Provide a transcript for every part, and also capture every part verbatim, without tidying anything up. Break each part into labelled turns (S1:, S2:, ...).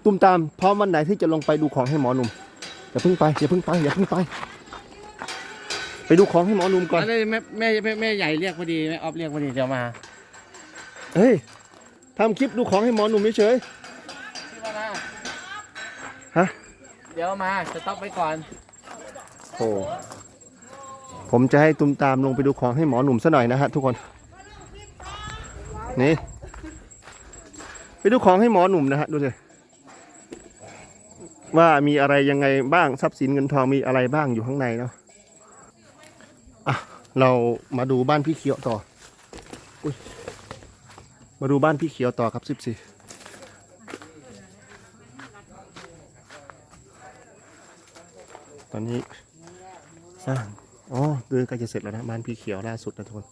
S1: ตุ้มตามพร้อมวันไหนที่จะลงไปดูของให้หมอหนุ่มอย่าเพิ่งไปอย่าเพิ่งไปอย่าเพิ่งไปไปดูของให้หมอหนุ่มก่อน
S2: แม่แม่แม่แม่ใหญ่เรียกพอดีแม่ออฟเรียกพอดีเดี๋ยวมา
S1: เฮ้ยทำคลิปดูของให้หมอหนุ่มเฉย
S2: พี่มานะ
S1: ฮะ
S2: เดี๋ยวมาจะต้องไปก่อน
S1: โอ้ผมจะให้ตุ้มตามลงไปดูของให้หมอหนุ่มซะหน่อยนะฮะทุกคนนี่ไปดูของให้หมอหนุ่มนะฮะดูสิว่ามีอะไรยังไงบ้างทรัพย์สินเงินทองมีอะไรบ้างอยู่ข้างในเนาะอ่ะเรามาดูบ้านพี่เขียวต่ออุ๊ยมาดูบ้านพี่เขียวต่อครับสิบสี่ตอนนี้สร้างอ๋อเดือนใกล้จะเสร็จแล้วนะบ้านพี่เขียวล่าสุดนะทุกคน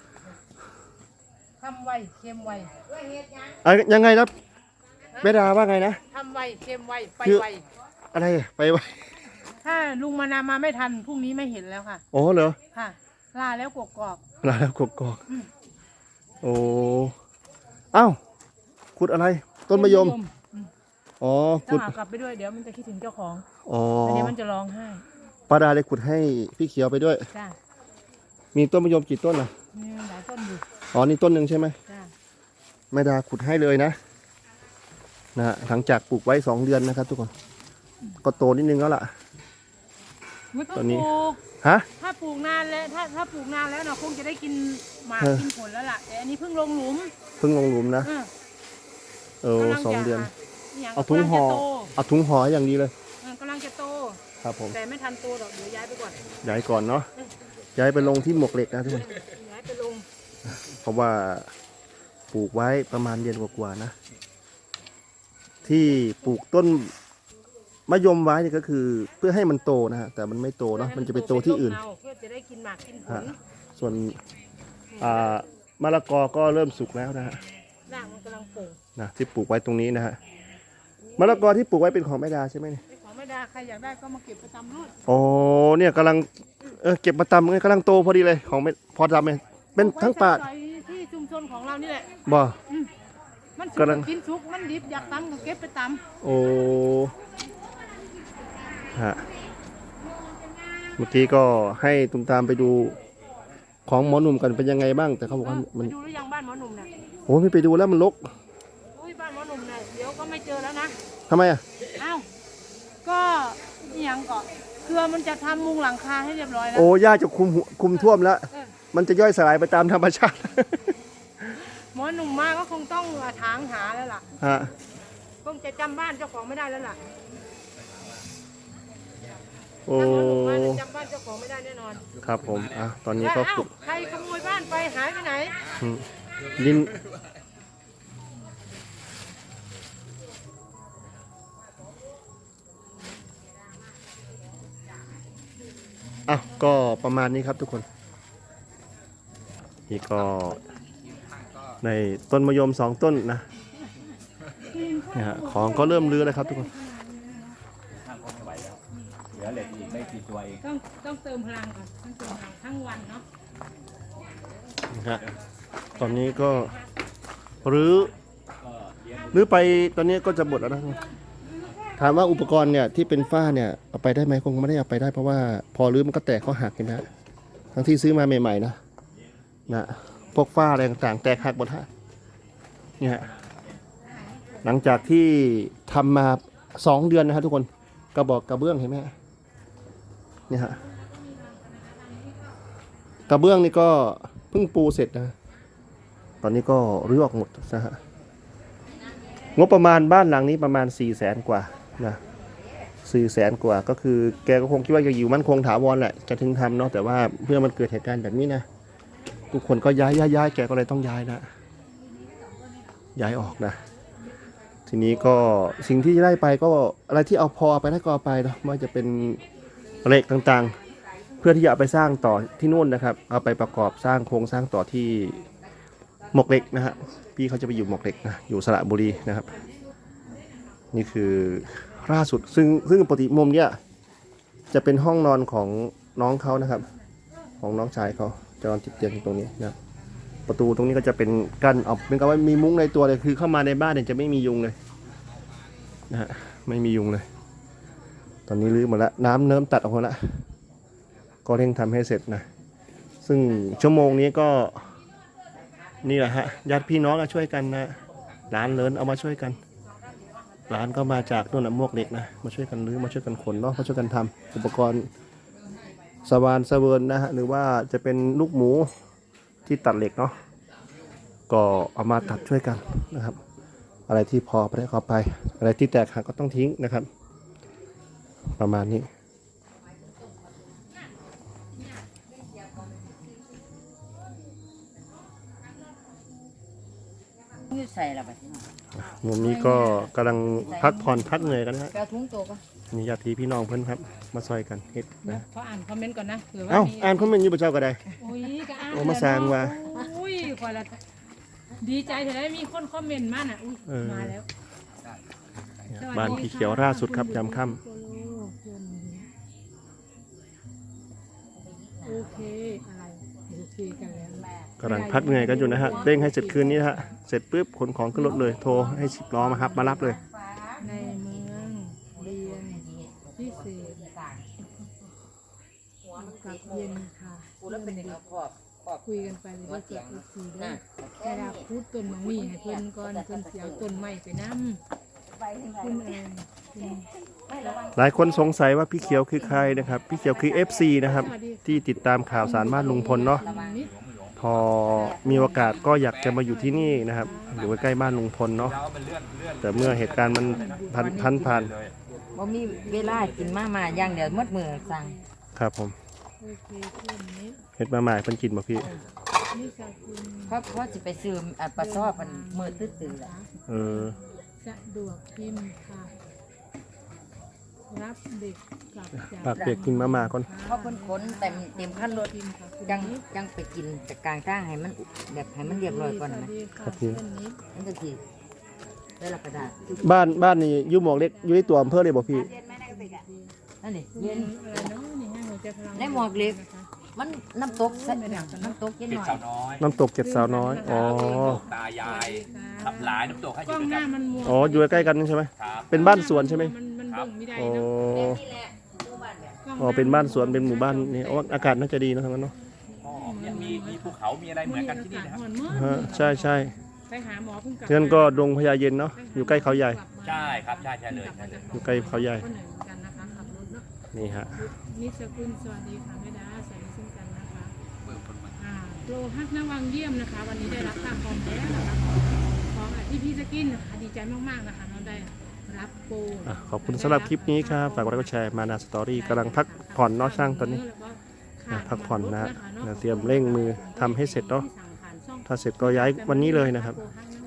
S3: ทำไวเค็มไว
S1: อ่ะยังไงนะเบดาว่าไงนะ
S3: ทำไวเค็มไวไป
S1: คือ
S3: ไว
S1: อะไรอะไปไว
S3: ถ้าลุงมานามาไม่ทันพรุ่งนี้ไม่เห็นแล้วค่ะ
S1: อ๋อเหรอ
S3: ค่ะ ลาแล้วกกอก
S1: ลาแล้วกกอกโอ้เอ้าขุดอะไร ต้นมะยม อ๋อ
S3: ต้อ
S1: ขุ
S3: ง
S1: ด
S3: หากลับไปด้วยเดี๋ยวมันจะคิดถึงเจ้าของ
S1: อ๋อ
S3: อันนี้มันจะร้องไห้
S1: ป้าดาเลยขุดให้พี่เขียวไปด้วย
S3: จ้า
S1: มีต้นมะยมกี่ต้นอ่ะ
S3: มีหลายต้นอยู่
S1: อ๋อนี่ต้นหนึ่งใช่ไหม
S3: จ้า
S1: แม่ดาขุดให้เลยนะนะฮะหลังจากปลูกไว้สองเดือนนะครับ ทุกคน ก็โตนิดนึงแล้วล่ะ
S3: ไม่ต้อง
S1: ตอนนี้
S3: ปลูก
S1: ฮะ
S3: ถ้าปลูกนานแล้วถ้าถ้าปลูกนานแล้วเนาะคงจะได้กินหมาก
S1: เออ
S3: กินผลแล้วล่ะแต่อันนี้เพิ่งลงหลุม
S1: เพิ่งลงหลุมนะ
S3: เออ
S1: เออก
S3: ำลั
S1: สอง
S3: จะ
S1: เดือน
S3: ย่าง
S1: เอาถุงห่อ
S3: กำลัจะโต
S1: เอาถุงห่อให้อย่างดีเลย
S3: เออกำลังจะโต
S1: ครับผม
S3: แต่ไม่ทันโตหรอกเดี๋ยวย้ายไปก่อน
S1: ย้ายก่อนเนาะย้ายไปลงที่หมวกเหล็กนะทุกคน
S3: ย้ายไปลง
S1: เพราะว่าปลูกไว้ประมาณเดือนกว่าๆนะ ที่ปลูกต้นมะยมไว้นี่ก็คือเพื่อให้มันโตนะฮะแต่มันไม่โตเนาะมันจะไปโตที่อื่น
S3: เพื่อจะได้กินหมากกินผ
S1: ฮะ
S3: ล
S1: ส่วนอ่ามะละกอก็เริ่มสุกแล้วนะฮะ
S3: รากมันกำลังโป่ง
S1: นะที่ปลูกไว้ตรงนี้นะฮะมะละกอที่ปลูกไว้เป็นของแม่ดาใช่ไหมเนี่ย
S3: ไอ้ของไม่ได้ใครอยากได้ก็มาเก็บประจำรถ
S1: โอ้เนี่ยกำลังเออเก็บมาตำเลยกำลังโตพอดีเลยของไม่พอทำเลยเป็นทั้งป่า
S3: ไว้ใช้สอยที่ชุมชนของเรานี่แหละ
S1: บ่
S3: มันสุก
S1: กำลัง
S3: กินสุกมันดิบอยากตำก็เก็บไปต
S1: โอ้ฮะเมื่อกี้ก็ให้ตุ้มตามไปดูของหมอหนุ่มกันเป็นยังไงบ้าง แต่เขา
S3: ำ
S1: บอกว่า
S3: เออ
S1: มัน
S3: ไปดูหรือยังบ้านหมอหนุ่มน่ะ
S1: โอ้ไม่ไปดูแล้วมันรก
S3: อุ้ยบ้านหมอหนุ่มน่ะเดี๋ยวก็ไม่เจอแล้วนะ
S1: ทำไมอ่ะ
S3: อ้าวก็อหยังก็เครือมันจะทำมุงหลังคาให้เรียบร้อยแล้ว
S1: โอ้ย่าจะคุมหัวคุมท่วมแล้ว
S3: เออ
S1: มันจะย่อยสลายไปตามธรรมชาติ
S3: หมอหนุ่มมาก็คงต้องถางหาแล้วล่ะ
S1: ฮะ
S3: คงจะจำบ้านเจ้าของไม่ได้แล้วล่ะ
S1: โอ้
S3: ถ้าหมอหนุ่มมาเนี่ยจำบ้านเจ้าของไม่ได้แน่นอน
S1: ครับผมอ่ะตอนนี้
S3: ว่า
S1: ก็
S3: อ้า
S1: ป
S3: ว
S1: ลุก
S3: ใครขโมยบ้านไปหายไปไหน
S1: อืมยินอ่ะก็ประมาณนี้ครับทุกคน นี่ก็ในต้นมะยมสองต้นนะเนี่ยฮะของก็เริ่มรื้อแล้วครับทุกคน
S2: ทางก็ไม่ไหวแล้วเหลือเหล็กอีกไม่กี่ตัวเอง
S3: ต้องต้องเติมพลังก่อนต้องเติมพลังทั้งวันเนาะ
S1: นะฮะตอนนี้ก็รื้อรื้อไปตอนนี้ก็จะหมดแล้วนะถามว่าอุปกรณ์เนี่ยที่เป็นฝ้าเนี่ยเอาไปได้ไหมคงไม่ได้เอาไปได้เพราะว่าพอรื้อมันก็แตกเขาหักเห็นไหมฮะทั้งที่ซื้อมาใหม่ๆนะนะพวกฝ้าอะไรต่างๆแตกหักหมดฮะเนี่ยฮะหลังจากที่ทำมาสองเดือนนะฮะทุกคนกระบอกกระเบื้องเห็นไหมฮะเนี่ยฮะกระเบื้องนี่ก็เพิ่งปูเสร็จนะตอนนี้ก็รื้อออกหมดนะฮะงบประมาณบ้านหลังนี้ประมาณสี่แสนกว่านะสี่แสนกว่าก็คือแกก็คงคิดว่าจะอยู่มั่นคงถาวรแหละจะถึงทำเนาะแต่ว่าเพื่อมันเกิดเหตุการณ์แบบนี้นะทุกคนก็ย้ายย้ายย้ายแกก็เลยต้องย้ายนะย้ายออกนะทีนี้ก็สิ่งที่ได้ไปก็อะไรที่เอาพอไปได้ก็เอาไปเนาะไม่ว่าจะเป็นเหล็กต่างๆเพื่อที่จะเอาไปสร้างต่อที่นู่นนะครับเอาไปประกอบสร้างโครงสร้างต่อที่หมวกเหล็กนะฮะพี่เขาจะไปอยู่หมวกเหล็กนะอยู่สระบุรีนะครับนี่คือล่าสุดซึ่งซึ่งปกติมุมเนี้ยจะเป็นห้องนอนของน้องเขานะครับของน้องชายเขาจะนอนติดเตียงตรงนี้นะประตูตรงนี้ก็จะเป็นกั้นออกเป็นกับว่ามีมุ้งในตัวเลยคือเข้ามาในบ้านเนี่ยจะไม่มียุงเลยนะฮะไม่มียุงเลย ตอนนี้รื้อหมดแล้วน้ำเนิ้มตัดออกหมดแล้วก็เร่งทำให้เสร็จนะซึ่งชั่วโมงนี้ก็นี่แหละฮะญาติพี่น้องก็ช่วยกันนะร้านเลินเอามาช่วยกันร้านก็มาจากนู่นนะมวกเหล็กนะมาช่วยกันรื้อมาช่วยกันขนเนาะมาช่วยกันทำอุปกรณ์สว่านสเวิร์นนะฮะหรือว่าจะเป็นลูกหมูที่ตัดเหล็กเนาะก็เอามาตัดช่วยกันนะครับอะไรที่พอไปได้ก็ไปอะไรที่แตกหักก็ต้องทิ้งนะครับประมาณนี้
S4: ยืดใส่ละบัดนี้
S1: มุมนี้ก็กำลังพักผ่อนพักเหนื่อยกันนะฮะ
S4: แก้วถุงโตปะ
S1: มีญาติพี่น้องเพื่อนครับมาซอยกันเฮ็ดนะ
S3: ขออ่านคอมเมนต์ก่อนนะเผื่อว่า
S1: เอ้า
S3: มี
S1: อ่านคอมเมนต์อยู่ประเจ้าก็ได้
S3: โอ้ยก็อ่าน
S1: โอ้มาสร้างว่ะ
S3: อุ้ยคอยละดีใจแต่ได้มีคนคอมเมนต์มาน่ะอุ้ย
S1: เออ
S3: มาแล้ว
S1: บ้านพี่เขียวล่าสุดครับยามค่
S3: โอเคอะไรโอเคกันแล้ว
S1: ำกำลังพักเหนื่อยกันอยู่นะฮะเร่งให้เสร็จคืนนี้นะฮะเสร็จปุ๊บขนของขึ้นรถเลยโทรให้สิบล้อมาครับมารับเลย
S3: ในเมืองเรียนพิเศษกับเย็นค่ะ
S4: กูแล้วเป็นเด็กเอาขอบขอบ
S3: คุยกันไปเลยว่าเกิดอุสีด้วยเวลาพูดต้นมังมีให้เพิ่นก่อนเพิ่นเสียต้นไม้ไปน้ำคุณเอิญคุณ
S1: หลายคนสงสัยว่าพี่เขียวคือใครนะครับพี่เขียวคือ เอฟ ซี นะครับที่ติดตามข่าวสารบ้านลุงพลเนาะ
S3: นิด
S1: พอมีโอกาสก็อยากจะมาอยู่ที่นี่นะครับอยู่ใกล้ๆบ้านลุงพลเนาะ
S2: แล้วมันเลื่อนเลื่อน
S1: แต่เมื่อเหตุการณ์มันพันพันผ่าน
S2: เลย
S4: บ่มีเวลากินมามาอย่างเดียวหมดมือสั่ง
S1: ครับผม
S3: โอเคเพื่อนนิด
S1: เฮ็ดมาใหม่เพิ่นกินบ่พี่
S3: นี่สกุล
S4: เพราะเพราะสิไปซื้ออันปลาซอบมันมือตื้อๆแหละ
S1: เออ
S3: สะดวกพิมพ์ค่ะ รับเด็กกลับจาก
S1: ปากเปียกกินมาม่าก่อน
S4: เพราะเพิ่นขนเต็มเต็มคันรถ
S3: พิมพ์ค่ะคุณ
S4: จัง
S3: นิด
S4: จังไปกินจากกลางทางให้มันแบบให้มันเรียบร้อยก่อน
S3: สวั
S4: นะ
S3: สดีค่ะ
S1: ครับพี่
S3: เพื่อนนิด
S4: มันจะสิได้รับกระดาษ
S1: บ้านบ้านนี่อยู่หมวกเล็กอยู่ในตัวอำเภอเลยบ่พี่
S4: นั่นนี่
S3: คุณ
S4: เย็น
S3: อะไรเนาะนี่ให้หัวใจพลัง
S4: ในหมวกเล็ก มันน้ำตกใส่น้ำตกเย็น
S2: เจ็
S4: ห
S2: ด
S4: น่อย
S2: สาวน้อย
S1: น้ำตกเจ็ดสาวน้อยอ๋อ
S2: ตายายขับหลายน้ำตกให้อก
S3: ล้
S2: ยู่
S3: อง
S2: ด้วย
S3: ห
S2: กั
S3: น้าน มันมัว
S1: อ๋ออยู่ใกล้ๆกันใช่ไหม
S2: ครับ
S1: เป็นบ้านสวนใช่ไหม
S3: มันมันเบิ่งไม่ได้
S1: อ๋อ
S3: เนาะ
S4: นี่แหละหมู่บ้านเนี่ย
S3: กล้งห
S1: อ๋อเป็นบ้านสวนเป็นหมู่บ้านนี่อ๋ออากาศน่าจะดีเนอะทั้งนั้นเนาะ
S2: อ๋อเนี่ยมีมีภูเขามีอะไรเหมือนกันที่นี่นะครับ
S3: มื้อนี้
S1: ฮะ
S3: อากาศร้อนมาก
S1: ใช่ใช่
S3: ไปหาหมอเพิ่งกลับ
S1: เพื่อนก็ดงพญาเย็นเนาะอยู่ใกล้เขาใหญ่
S2: ใช่ครับใช่ใช่เลยใช่เลย
S1: อยู่ใกล้เขาใหญ่
S3: ก็เหนื่อยเหมือนกันนะคะขับรถเนาะ
S1: นี่ฮะ
S3: นิสกุลสวัสดีค่ะแม่ดาสวัสดีเช่นกันนะคะอ่าโปรฮักนวังเยี่ยมนะคะ วันนี้ได้รับค่าคอมแล้วนะคะของอ่ะที่พี่สกินนะคะดีใจมากๆนะคะเราได้รับโปร
S1: อ่ะขอบคุณสำหรับคลิปนี้ครับฝากกดไลค์กดแชร์มานาสตอรี่กำลังพักผ่อนเนาะช่างตอนนี้ อ่ะพักผ่อนนะฮะเดี๋ยวเตรียมเร่งมือทำให้เสร็จเนาะ ถ้าเสร็จก็ย้ายวันนี้เลยนะครับ